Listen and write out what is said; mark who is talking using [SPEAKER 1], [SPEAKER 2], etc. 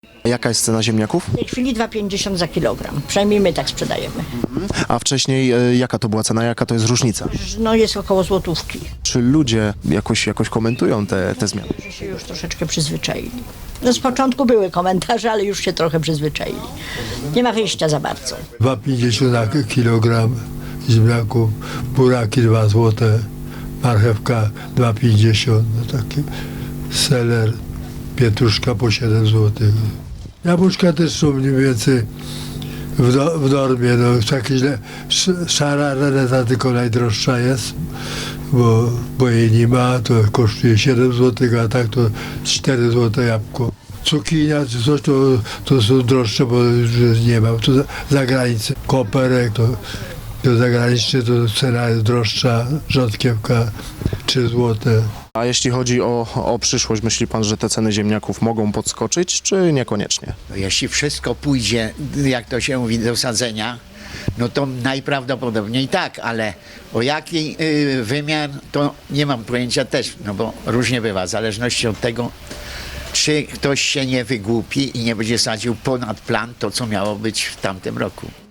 [SPEAKER 1] Jaka jest cena ziemniaków?
[SPEAKER 2] W tej chwili 2,50 za kilogram. Przynajmniej my tak sprzedajemy.
[SPEAKER 1] A wcześniej jaka to była cena, jaka to jest różnica?
[SPEAKER 2] No jest około złotówki.
[SPEAKER 1] Czy ludzie jakoś komentują te zmiany?
[SPEAKER 2] Że się już troszeczkę przyzwyczaili. No z początku były komentarze, ale już się trochę przyzwyczaili. Nie ma wyjścia za bardzo.
[SPEAKER 3] 2,50 za kilogram ziemniaków, buraki 2 złote, marchewka 2,50, no taki seler, pietruszka po 7 złotych. Jabłuszka też są mniej więcej w normie, no takie szara reneta tylko najdroższa jest, bo jej nie ma, to kosztuje 7 złotych, a tak to 4 złote jabłko. Cukinia czy coś to są droższe, bo już nie ma. To za granicą. Koperek to zagraniczny, to cena jest droższa, rzodkiewka 3 złote.
[SPEAKER 1] A jeśli chodzi o przyszłość, myśli pan, że te ceny ziemniaków mogą podskoczyć, czy niekoniecznie?
[SPEAKER 4] No jeśli wszystko pójdzie, jak to się mówi, do sadzenia, no to najprawdopodobniej tak, ale o jaki wymiar, to nie mam pojęcia też, no bo różnie bywa, w zależności od tego, czy ktoś się nie wygłupi i nie będzie sadził ponad plan to, co miało być w tamtym roku.